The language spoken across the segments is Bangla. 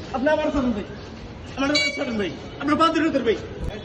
আপনি আমার ছাড়েন ভাই, আমার ছাড়েন ভাই, আপনার বাঁধের ভিতর ভাই।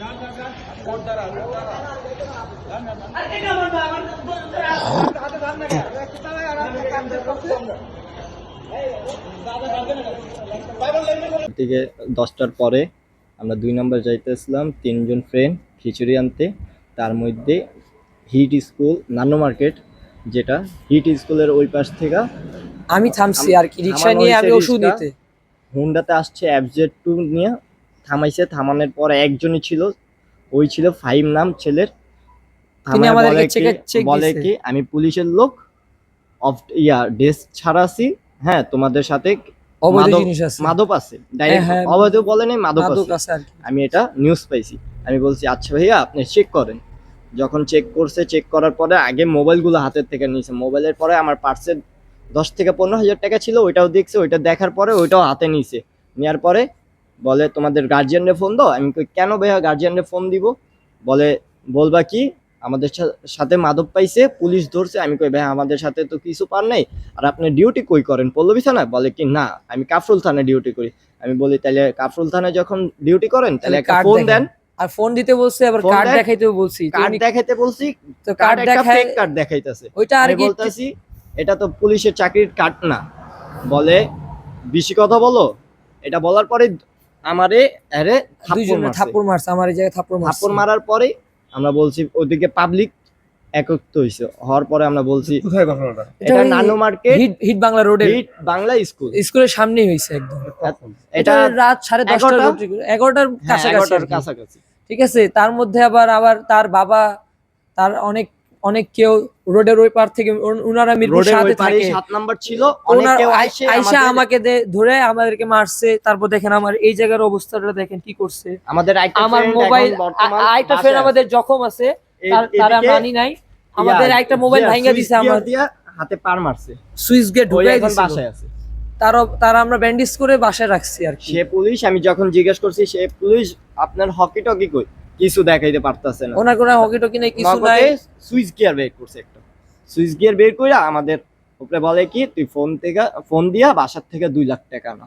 দিকে 10টার পরে আমরা 2 নম্বর যাইতেছিলাম, 3জন ফ্রেন্ড খিচুড়ি আনতে। তার মধ্যে হিট স্কুল নানো মার্কেট, যেটা হিট স্কুলের ওই পাশ থেকে আমি থামছি আর কি, রিক্সা নিয়ে আমি ওষুধ নিতে। হুন্ডাতে আসছে FZ2 নিয়ে, থামাইছে। থামানোর পরে একজনই ছিল, ওই ছিল ফাহিম নাম ছেলের। তিনি আমাদেরকে চেক বলে কি আমি পুলিশের লোক, অফ ড্রেস ছাড়া আছি, হ্যাঁ তোমাদের সাথে অবৈধ জিনিস আছে, মাদক আছে। ডাইরেক্ট অবৈধ বলে নাই, মাদক আছে। আমি এটা নিউজ পাইছি। আমি বলছি আচ্ছা ভাইয়া আপনি চেক করেন। যখন চেক করছে, চেক করার পরে আগে মোবাইলগুলো হাতের থেকে নিয়েছে। মোবাইলের পরে আমার পার্সে 10 থেকে 15,000 টাকা ছিল, ওইটাও দেখছে। ওইটা দেখার পরে ওইটাও হাতে নিয়েছে। নেওয়ার পরে বলে তোমাদের গার্জিয়ানরে ফোন দাও। আমি কই কেন ভাইয়া গার্জিয়ানরে ফোন দিব? বলে বলবা কি আমাদের সাথে মাদক পাইছে, পুলিশ ধরছে। আমি কই ভাই আমাদের সাথে তো কিছু পার নাই, আর আপনি ডিউটি কই করেন? পল্লবী থানায়? বলে কি না আমি কাফরুল থানায় ডিউটি করি। আমি বলি তাহলে কাফরুল থানায় যখন ডিউটি করেন তাহলে একটা ফোন দেন। আর ফোন দিতে বলছে, আবার কার্ড দেখাইতেও বলছি। কার্ড দেখাইতে বলছি, তো কার্ড দেখায়, ফেক কার্ড দেখাইতেছে। ওইটা আর কি বলতাছি এটা তো পুলিশের চাকরির কার্ড না। বলে বেশি কথা বলো। এটা বলার পরে আমারে আরে থাপ্পড় মারছে, আমার এই জায়গায় থাপ্পড় মারার পরে আমরা বলছি ওদিকে পাবলিক একত্র হইছে। হওয়ার পরে আমরা বলছি কোথায় ঘটনাটা? এটা নানো মার্কেট, হিট বাংলা রোডে, হিট বাংলা স্কুলের সামনেই হইছে একদম। এটা রাত 10:30 11টার কাছাকাছি। ঠিক আছে। তার মধ্যে আবার তার বাবা, তার অনেক কেউ রোডের ওই পার থেকে, ওনারা মিরপুর 7-এ থাকে, 7 নাম্বার ছিল, আইসা আমাকে ধরে আমাদেরকে মারছে। তারপর দেখেন আমার এই জায়গার অবস্থাটা দেখেন কি করছে। আমার মোবাইল, আরেকটা ফ্রেন্ড আমাদের জখম আছে, তারা মানি নাই। আমাদের একটা মোবাইল ভাঙা দিছে, আমার হাতে পার মারছে, সুইচ গেট ঢুকাই দিছে, বাসায় আছে। তারা আমরা ব্যান্ডেজ করে বাসায় রাখছি আর কি। সে পুলিশ, আমি যখন জিজ্ঞেস করছি সে পুলিশ আপনার হকি টকি কই, কিছু দেখাইতে পারতাছে না। ওনার কোনো হকি টকি নাই, কিছু নাই। সুইচ গিয়ার বের করছে, একটা সুইচ গিয়ার বের কইরা আমাদের উপরে বলে কি তুই ফোন দিয়া বাসার থেকে 2 লাখ টাকা না।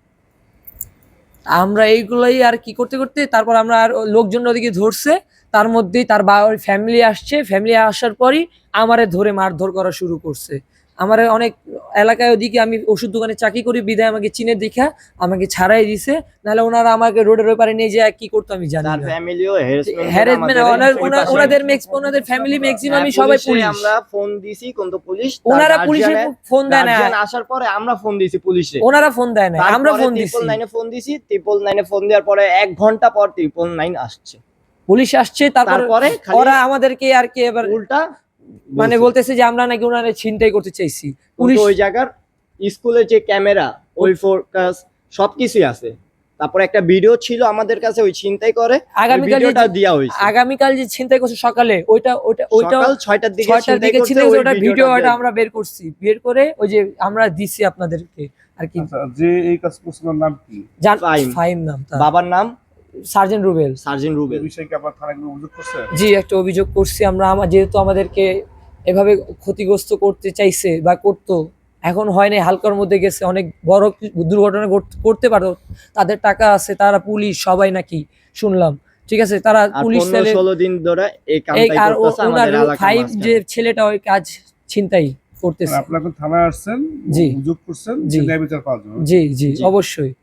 আমরা এইগুলাই আর কি করতে করতে তারপর আমরা আর লোকজন ওদিকে ধরছে। তার মধ্যেই তার ফ্যামিলি আসছে। ফ্যামিলি আসার পরই আমারে ধরে মারধর করা শুরু করছে। আমারে অনেক এলাকায় ওদিকে, আমি ওষুধ দোকানে চাকরি করি বিদায় আমাকে চিনে দেখা আমাকে ছাড়াই দিছে। নাহলে ওনারা আমাকে রোডের ওই পারে নিয়ে যায় কি করতো আমি জানি না। ফ্যামিলিও হ্যারাসমেন্ট, ওনাদের ফ্যামিলি ম্যাক্সিমামই সবাই পুলিশ। আমরা ফোন দিছি কিন্তু পুলিশ, ওনারা পুলিশে ফোন দেয় না। আসার পরে আমরা ফোন দিছি পুলিশে, ওনারা ফোন দেয় না, আমরা ফোন দিছি। 999 ফোন দিছি। 999 ফোন দেওয়ার পরে 1 ঘন্টা পর 999 আসছে, পুলিশ আসছে। তারপরে ওরা আমাদেরকে আর কি এবার উল্টা মানে বলতেছে যে আমরা নাকি ওনারে ছিনতাই করতে চাইছি। পুলিশ ওই জায়গার স্কুলের যে ক্যামেরা, ওই ফোকাস সবকিছুই আছে। তারপরে একটা ভিডিও ছিল আমাদের কাছে, ওই ছিনতাই করে ভিডিওটা দেয়া হইছে। আগামীকাল যে ছিনতাই করছে সকালে, ওইটা সকাল 6টার দিকে ছিল। ওটা ভিডিওটা আমরা বের করছি, বের করে ওই যে আমরা দিছি আপনাদেরকে আর কি। যে এই কাজ করছিল নাম কি? ফাহিম নাম, বাবার নাম সার্জেন্ট রুবেল। বিষয়ে কি আপনারা থানায় অভিযোগ করছেন? জি, একটা অভিযোগ করছি আমরা। যেহেতু আমাদেরকে এভাবে ক্ষতিগ্রস্ত করতে চাইছে বা করতো, এখন হয় নাই, হালকার মধ্যে গেছে, অনেক বড় দুর্ঘটনা করতে পারো। তাদের টাকা আছে, তারা পুলিশ সবাই নাকি শুনলাম। ঠিক আছে, তারা পুলিশ 16 দিন ধরে এই কাজটাই করতেছে আমাদের এলাকায়। ফাইভ যে ছেলেটা ওই কাজ ছিনতাই করতেছে। আপনারা থানায় আসছেন, জি, অভিযোগ করছেন, ন্যায় বিচার পাওয়ার জন্য। জি জি অবশ্যই।